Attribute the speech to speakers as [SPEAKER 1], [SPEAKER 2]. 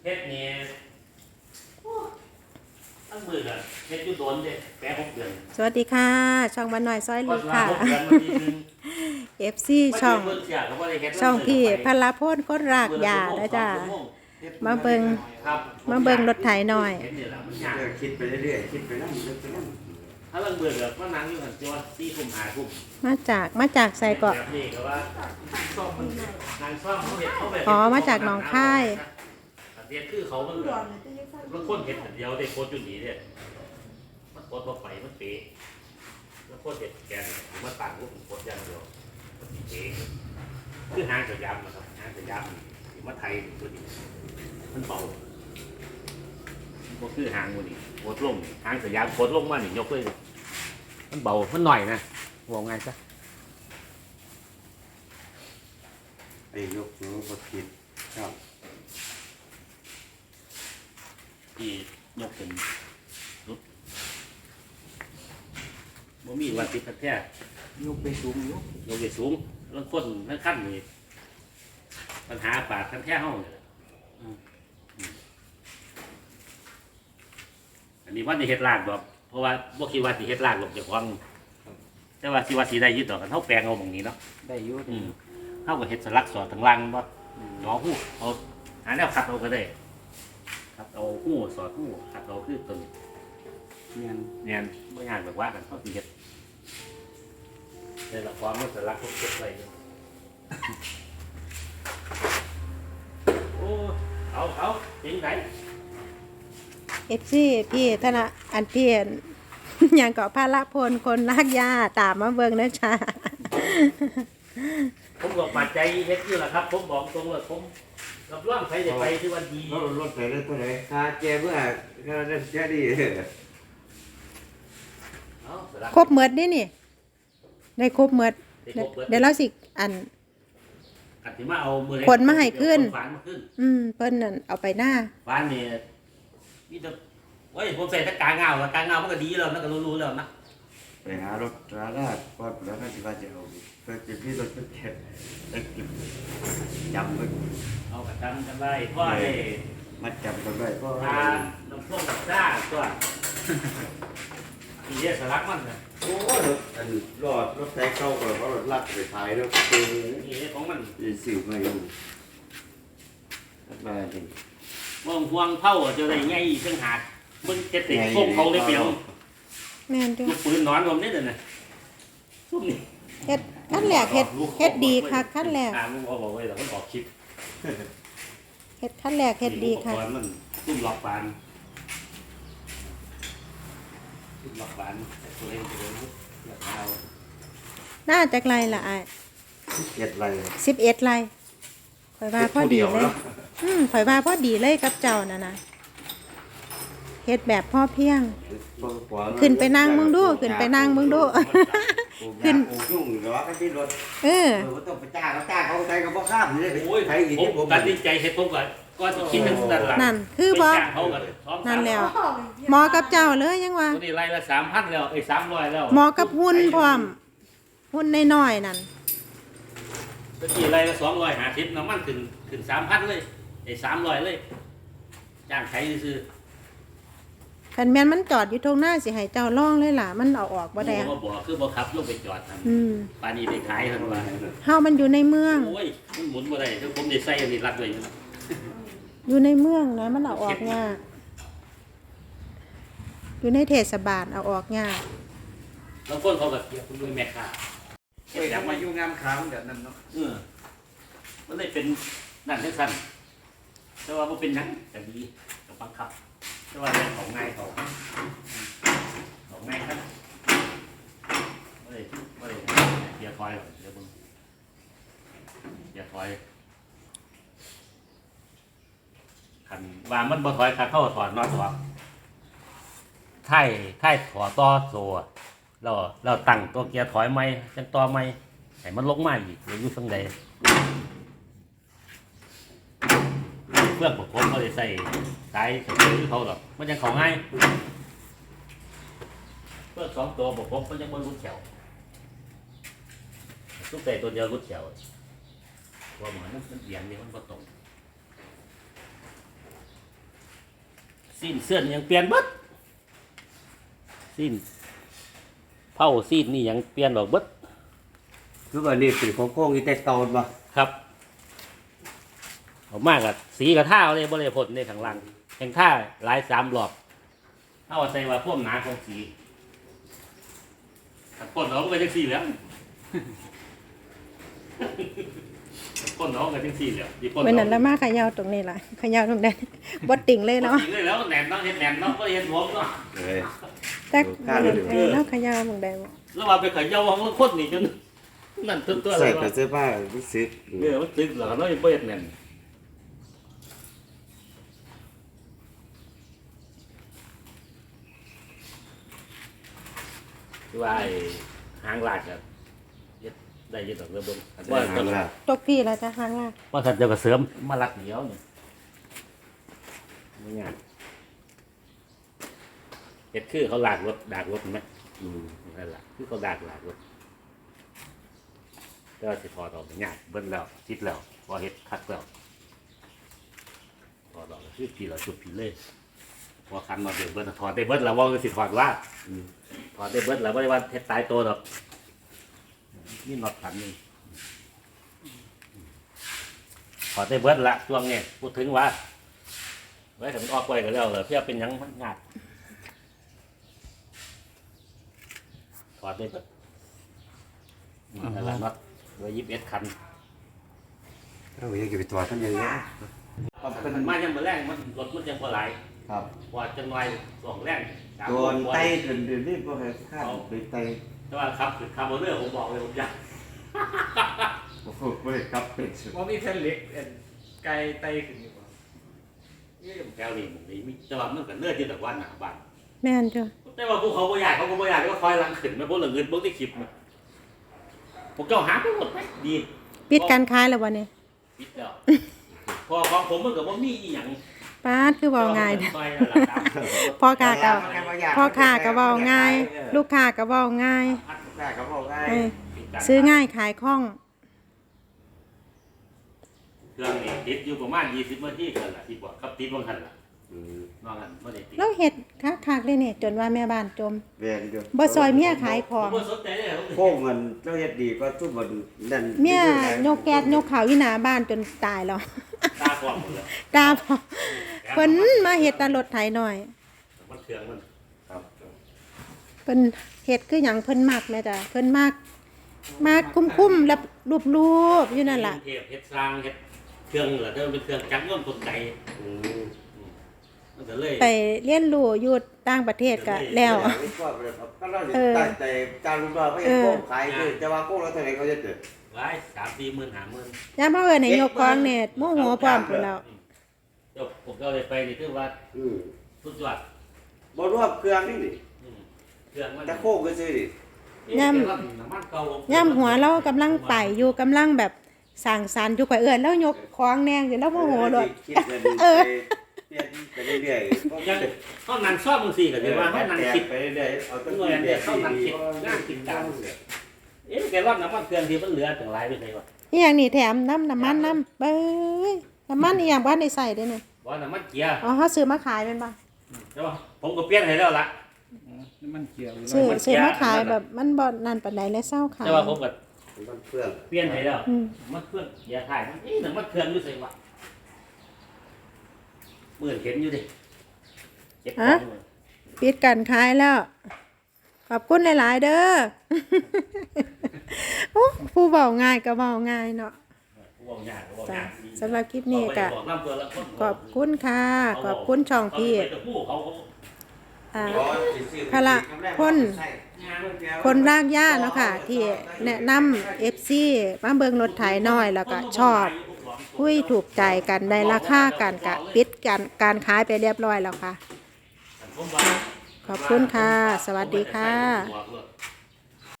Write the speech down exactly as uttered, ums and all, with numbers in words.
[SPEAKER 1] เฮ็ดนี่ตั้งมือกันเฮ็ดอยู่โดนเด้แปะหกเดือน
[SPEAKER 2] สวัสดีค่ะช่องบ้านน้อยซอย
[SPEAKER 1] ก็
[SPEAKER 2] ลี
[SPEAKER 1] สิว่า
[SPEAKER 2] ค่ะ
[SPEAKER 1] หกเดือนมันทีนึง
[SPEAKER 2] เอฟ ซี ช่อง
[SPEAKER 1] เบิ่งเสียก็บ่ได้เฮ็ด
[SPEAKER 2] ช่องพี่พลพลคนรากยานะจ้ามาเบิ่ง
[SPEAKER 1] ครับ
[SPEAKER 2] มาเบิ่งรถไถหน่อย
[SPEAKER 1] เฮ็ดนี่ล่ะมันยาก
[SPEAKER 3] คิดไปเรื่อยๆคิดไปนั่งคิดไปนั่ง
[SPEAKER 1] ถ้าเบิ่งเบื่อแบบว่านั่งอยู่หั่นจะว่าสี่ทุ่มห้าทุ่ม
[SPEAKER 2] มาจากมาจากใส่เกาะ
[SPEAKER 1] แบบนี้ก็ว่าซ่อมมันนางซ่อมเขาเฮ็ดเขาแบบ
[SPEAKER 2] อ๋อมาจากหนองคาย
[SPEAKER 1] เฮ็ดคือเขามันแบบมันคนเฮ็ดอันเดียวได้โคตรอยู่นี่เด้มันโคตรบ่ไปมันเป๊ะแล้วโคตรเฮ็ดแกนมันตั้งรูปโคตรอย่างเดียวมันสิเป๊ะคือหางสยามนะครับหางสยามนี่มาไทยตัวนี้มันเบาบ่คือหางมื้อนี้โคตรลงหางสยามโคตรลงมานี่ยกเลยมันเบามันหน่อยนะว่าไงซะ
[SPEAKER 3] ไอ้ยกมือบดคิดครับ
[SPEAKER 1] ที่ยกเป็นรุดบ่มีวันติดแท้
[SPEAKER 3] ยกไปสูงยก
[SPEAKER 1] ยกไปสูงแล้วคนทั้งขั้นนี่ปัญหาปากขั้นแท้เฮาเนี่ยอืมอืมอันนี้ว่าสิเฮ็ดลากดอกเพราะว่าบ่คิดว่าสิเฮ็ดลากหรอกเจ้าของแต่ว่าสิว่าสิได้ยึดดอกกันเฮาแปลงเอาหม่องนี้เนาะ
[SPEAKER 3] ได้อยุ่
[SPEAKER 1] อืมเฮาก็เฮ็ดสลักสอดทางล่างบ่หนอฮู้เอาหาแนวขัดเอาก็ได้ขัดเอาฮู้สอดฮู้ขัดเอาคือตัวนี้
[SPEAKER 3] เงี้ย
[SPEAKER 1] เนี่ยไม่ยากแบบว่ากันเขาตีเห็ดในละครมันสลักทุกเก็บไว้อยู่โอ้เอาเอาจริงไหน
[SPEAKER 2] เอฟ ซี พี่ธนาอันพี่อย่างเกาะพลพลคนรากยาตามมาเบิ่งนะจ้า
[SPEAKER 1] ผมบอกมาใจเฮ็ดอยู่แหละครับ ผมบอกตรงเลยผมรับรองใครจะไปที่วันดี
[SPEAKER 3] รถรถไปได้ตัวไหนคาเจเมื่อคาได้แค่ดี
[SPEAKER 1] เอาสลัก
[SPEAKER 2] ครบเมดนี่นี่ ได้ครบเมด
[SPEAKER 1] ได้ครบเบิด
[SPEAKER 2] เดี๋ยวเราสิอัน
[SPEAKER 1] กัดที่มาเอามือ
[SPEAKER 2] ขนมาให้ขึ้น
[SPEAKER 1] ฝานมาขึ้น
[SPEAKER 2] อืมเพิ่นนั่นเอาไปหน้า
[SPEAKER 1] ฝานเนี่ยมีแต่โอ้ยผมใส่ตะกาเงาตะกาเงามันก็ดีแล้วนะก็รู้ๆแล้วนะ
[SPEAKER 3] ไปหารถราลาดก็แล้วก็จะว่าจะเอาเพื่อจะพี่รถเป็นแค่จำไว้
[SPEAKER 1] เอากระชันกันไว้พ่อได้
[SPEAKER 3] มัดจำกันไว้ก็
[SPEAKER 1] ทาน้ำส้มกับซ่าตัวมีเยอะสลักมันนะ
[SPEAKER 3] โอ้รถอันรอดรถไฟเข้าก่อนเพราะรถลัดไปท้ายแล้วคือ
[SPEAKER 1] มีเยอะของมัน
[SPEAKER 3] สื่อมาอยู่มาจริง
[SPEAKER 1] วงพวงเผาจะได้ไงอีกตั้งหากมึงจะติดพวกเขาเลยเปล่า
[SPEAKER 2] แม่นจ้ะ
[SPEAKER 1] ลูกปืนนอนผมนี่เด้อนะซุ่มนี่
[SPEAKER 2] เฮ็ดขั้นแรกเฮ็ดเฮ็ดดีค่ะขั้นแรก
[SPEAKER 1] ทางมึงเอาบอกไว้แต่มันออกคลิป
[SPEAKER 2] เฮ็ดขั้นแรกเฮ็ดดีค่ะ
[SPEAKER 1] อุปกรณ์มันซุ่มหลอกบานซุ่มหลอกบานแต่ตัวเองตัวเองหลอกเอา
[SPEAKER 2] น่าจักไรล่ะอ้าย
[SPEAKER 3] เจ็ดไร
[SPEAKER 2] สิบเอ็ดไรข่อยว่าพอดีเลย อืมข่อยว่าพอดีเลยกับเจ้าน่ะนะเฮ็ดแบบพ่อเพียง ขึ้นไปนั่งมึงดูขึ้นไปนั่งมึงดู
[SPEAKER 3] ขึ้นยุ่งหรอกันที่รถ
[SPEAKER 2] เออ
[SPEAKER 3] เออต้องไปจ้างเขาจ้างเขาใจกับพ่อข้ามเลย
[SPEAKER 1] โอ้ย
[SPEAKER 3] ไทยอีก
[SPEAKER 1] ผม
[SPEAKER 3] ที่ผม
[SPEAKER 1] ตัดสินใจเฮ็ดผมก่อนก่อนจะคิดถึงนั่นล่ะ
[SPEAKER 2] นั่นคือบ่
[SPEAKER 1] ไปจ้างเขาก่อนสองสาม
[SPEAKER 2] นั่นแล้วหมอกับเจ้าเลยยังว่า
[SPEAKER 1] ตัวนี้ไล่ละสามพันแล้วไอ้สามร้อยแล้ว
[SPEAKER 2] หมอกับหุ่นพร้อมหุ่นน้อยๆนั่น
[SPEAKER 1] ตัวนี้ไล่ละสองร้อยห้าสิบน้ำมันขึ้นขึ้นสามพันเลยไอ้สามร้อยเลยจ้างใช้ซื้อ
[SPEAKER 2] คันแม่นมันจอดอยู่ตรงหน้าสิให้เจ้าล่องเลยล่ะมันเอาออกบ่ได้
[SPEAKER 1] บ่บอกคือบ่ขับลงไปจอดท
[SPEAKER 2] อืม
[SPEAKER 1] ำปานนี้ได้ขายเท่านั้นว่า
[SPEAKER 2] เฮามันอยู่ในเมือง
[SPEAKER 1] โอ้ยมันหมุนบ่ได้ถ้าผมได้ใส่อันนี้รัดไว้อยู่นะ
[SPEAKER 2] อยู่ในเมืองนะมันเอาออกยากอยู่ในเทศบาลเอาออกยาก
[SPEAKER 1] บางคนเขาก็เกี่ยวคุณด้วยแม่ค้า
[SPEAKER 3] เฮ้ยทำมาอยู่งามขามแบบนั้นเนาะ
[SPEAKER 1] เออมันเลยเป็นนั่นจังซั่นแต่ว่าบ่เป็นหยังก็ดีก็บังคับแต่ว่าเรื่องของง่ายเขาของง่ายครับบ่ได้บ่ได้เกียร์ถอยหรอกเดี๋ยวเบิ่งเกียร์ถอยคันว่ามันบ่ถอยคันเข้าถอดน็อตออกไถ่ไถ่ถอดต่อโซ่เราเราตั้งตัวเกียร์ถอยใหม่จังต่อใหม่ให้มันลงมาอีกอยู่ทางใดเพื่อนผมเขาได้ใส่สายสายเขาหรอกมันยังเขาง่ายเพื่อนสองตัวบอกผมมันยังไม่รุดแถวทุกแต่ตัวเดียวรุดแถวว่าเหมือนมันเอียงนี่มันก็ตรงสิ้นเสื้อนยังเปลี่ยนเบิดสิ้นเผาสิ้นนี่ยังเปลี่ยนดอกเบิด
[SPEAKER 3] คือว่านี่เป็นของโค้งที่แต่เก่าบ่
[SPEAKER 1] ครับเอามากกับสีกับท่าเลยบริพลในข้างล่างแห่งท่าหลายสามรอบเอาใส่ว่าพวกหนาของสีถ้าก้นน้องก็จะสีแล้วก้นน้องก็จะสีแล้วดีก้น
[SPEAKER 2] เมื่อ
[SPEAKER 1] น้
[SPEAKER 2] นั้
[SPEAKER 1] อน ง
[SPEAKER 2] ละมาขยาวตรงนี้ล่ะขยาวตรงนั้นบ่ติ่งเลยเนาะ
[SPEAKER 1] สีเลยแล้วแหนมต้องเห็นแหนมต้องก็เห็นหัวเนาะ
[SPEAKER 3] เอ้ย
[SPEAKER 2] จักเออเนาะขยาวหมองใดบ่
[SPEAKER 1] แล้วว่าไปขย่าของคนนี่จนนั่นตัวตัวอะไร
[SPEAKER 3] ใส่
[SPEAKER 1] วะ
[SPEAKER 3] กับเสื้อผ้ารู้สึก
[SPEAKER 1] เออมันตึกเหรอเราไม่เห็นแหนมคือว่าหางลากอะได้ยินดอกเรือบนว่า
[SPEAKER 3] หางล่ะ
[SPEAKER 2] ตกพี่แล้วจะหางล่ะ
[SPEAKER 1] ว่าถ้าจะกระเสริมมาลักเหนียวเนี่ยไม่งานเห็ดคือเขาลากรถดากรถไหม
[SPEAKER 3] อืม
[SPEAKER 1] นั่นแหละคือเขาดากลากรถแต่ว่าสิถอดออกงานเบิ้ลแล้วชิดแล้วพอเห็ดคัดแล้วถอดออกคือผีเราจุดผีเลยพอคันมาเบิ้ลเบิ้ลถอดได้เบิ้ลแล้วว่าคือสิถอดว่า
[SPEAKER 3] อืม
[SPEAKER 1] ถอดได้เบิ้ลแล้วไม่ได้ว่าเห็ดตายตัวหรอกนี่น็อตขันนี่ถอดได้เบิ้ลละช่วงนี้พูดถึงว่าไว้แต่มันออกไปก็แล้วเหรอเพื่อเป็นหยังมันงาดถอดได้เบิ้ลนั่นแหละน็อตไว้ยิบเอ็ดคัน
[SPEAKER 3] เราอยากจะไปตรวจกันเยอะๆ
[SPEAKER 1] เป็นมายังมาแรงมันรถมันยังพอไหล
[SPEAKER 3] ครับ
[SPEAKER 1] พอจะน้อยสองแรงสาม
[SPEAKER 3] โดน
[SPEAKER 1] พอ
[SPEAKER 3] ไตจนเดี๋ยวนี้พวกเขาข้ามไปไต
[SPEAKER 1] แต่ว่าครับคือคาร์บอนเนอร์ผมบอกเลยผมอยาก
[SPEAKER 3] โอ้โหไม่ได้ครับเป็นสุด
[SPEAKER 4] ว่ามีแผ่นเหล็กเอ็นไกลไตขึ้นอยู่บ่
[SPEAKER 1] นี่แก้วนี่ผมนี่มีแต่ว่ามันก็เลือดที่แต่ว่าหนาบ้าน
[SPEAKER 2] แม่นจ้ะ
[SPEAKER 1] แต่ว่าพวกเขาบ่อยากเขาก็บ่อยากก็คอยลังขึ้นไม่พวกเหลือเงินพวกที่คลิปนะพวกเจ้าหาไปหมดไหมดี
[SPEAKER 2] ปิดการขายแล้วบ่เนี่ย
[SPEAKER 1] ปิดแล้วพอของผมมันก็บ่มีอีหยัง
[SPEAKER 2] ปาดคือเว้าง่าย
[SPEAKER 1] เด้
[SPEAKER 2] เด้อพ่อค้าก็พ่อค้าก็เว้าง่าย ลูกค้าก็เว้าง่าย
[SPEAKER 3] ได้ครับบอกง่าย
[SPEAKER 2] เออซื้อง่ายขายคล่อง
[SPEAKER 1] เครื่องนี่ติดอยู่ประมาณยี่สิบนาทีกันละที่บอกครับติดบางหันละ
[SPEAKER 3] อืม
[SPEAKER 1] นอกนั้นไม่ได้ติด
[SPEAKER 2] แล้วเฮ็ดคักๆเลยเนี่ยจนว่าแม่บ้านจม
[SPEAKER 3] เวียนเดียว
[SPEAKER 2] บ่ซอยเมียขายข
[SPEAKER 1] ผ
[SPEAKER 2] อ
[SPEAKER 1] ม
[SPEAKER 2] ง
[SPEAKER 1] บ่สนใจเลยผม
[SPEAKER 3] โค้งเงินเจ้าเฮ็ดดีก็ทุกบนนั่น
[SPEAKER 2] เมียยกแก๊สยกข้าวอยู่หน้าบ้านจนตายแล้ว
[SPEAKER 1] ตาความหมดเลย
[SPEAKER 2] กาพอเพิ่นมาเฮ็ดแตรถไถหน่อย
[SPEAKER 1] มันเครื่องมัน
[SPEAKER 3] ครับ
[SPEAKER 2] เพิ่นเฮ็ดคือหยังเพิ่นมักแม่จ้ะเพิ่นมักมักคุ้มๆแล้วรูปๆอยู่นั่นล่ะ
[SPEAKER 1] เทพเฮ็ดสร้างเฮ็ดเครื่องเหรอเด้อเป็นเครื่องจักรยนต์กลไก
[SPEAKER 3] อืม
[SPEAKER 1] มันก็เลย
[SPEAKER 2] ไปเรียนรู้อยู่ต่างประเทศก็แล้ว
[SPEAKER 3] ก็เราตั้งใจจานลูกน้องก็ยังโค้งขายคือจะว่าโค้งแล้วเท่าไหร่เขาจะเกิด
[SPEAKER 1] ไว้สามสี่หมื่นห้าหมื่น
[SPEAKER 2] ยามเฮาเอิ้นให้ยกของเนี่ยโมโหพร้อมพุ่นแล้ว
[SPEAKER 1] เดี๋ยวผมก็เลยไปนี่คือว่า
[SPEAKER 3] อืม
[SPEAKER 1] สุดยอด
[SPEAKER 3] บ่รวมเครื่องนี่นี่
[SPEAKER 1] อืมเครื่องมัน
[SPEAKER 3] แต่โค้งก็ซื้อดิ
[SPEAKER 2] ย่ำ
[SPEAKER 1] น้ำมันเก่า
[SPEAKER 2] ย่ามหัวเรากำลังไปอยู่กำลังแบบสร้างสรรค์อยู่ข่อยเอิ้นแล้วยกของแนงสิแล้วโมโหโลด
[SPEAKER 3] คิดเงินไปเปลี่ยนไปเรื่อยๆ
[SPEAKER 1] ยังเขานั่นชอบมึงสี่ก็ถือว่าเขานั่นคิด
[SPEAKER 3] ไปเรื่อยๆเอาตั้ง
[SPEAKER 1] เงินเนี่ยเขานั่นคิดงานคิดการเอ๊ะแกว่าน้ำมันเครื่องที่มันเหลือถึงหลายไปไหนวะ
[SPEAKER 2] อีหยังนี่แถมน้ำน้ำมันน้ำเบ้ยน้ำมันอีหยังบ่ทันได้ใส่เด้อเนี่ย
[SPEAKER 1] ว่าน้ำมันเกียร์
[SPEAKER 2] อ๋อเฮาซื้อมาขายแม่นบ่
[SPEAKER 1] ใช่ป่ะผมก็เปลี่ยนให้แล้วล่ะ
[SPEAKER 4] น้ำมันเกี่ยวอยู่
[SPEAKER 2] ซื้อ
[SPEAKER 1] มันเสี
[SPEAKER 2] ซื้อย มาขายแบบมันบ่นั่นปานใดเลยเศร้าขาย
[SPEAKER 1] แต่ว่าผมก็
[SPEAKER 3] มันเพื่อง
[SPEAKER 1] เปลี่ยนให้แล้ว
[SPEAKER 2] อืม
[SPEAKER 1] มันเครื่องอย่าถ่ายมันนี่น้ำมันเครื่องอยู่ใส่วะเหมือนเห็นอยู่ดิเจ็บของเลย
[SPEAKER 2] ปิดการขายแล้ว ขอบคุณหลายๆเด้อ โอ้ผู้เว้าง่ายก็เว้าง่ายเนาะ
[SPEAKER 1] บอกยากบอก
[SPEAKER 2] จ้ะ
[SPEAKER 1] ยาก
[SPEAKER 2] สำหรับคลิปนี้ก็
[SPEAKER 1] บอกน้ำตัวละคน
[SPEAKER 2] ขอบคุณค่ะ ขอบคุณช่องพี่
[SPEAKER 1] เขาไปกับผู้เขาเขา
[SPEAKER 2] อ่า พละพล คนรากหญ้าเนาะค่ะ ที่แนะนำ เอฟ ซี มาเบิ่งรถไถน้อยแล้วก็ชอบคุยถูกใจกันได้ราคากันกะปิดการการขายไปเรียบร้อยแล้วค่ะ ขอบคุณค่ะ สวัสดีค่ะ
[SPEAKER 1] ผมว่า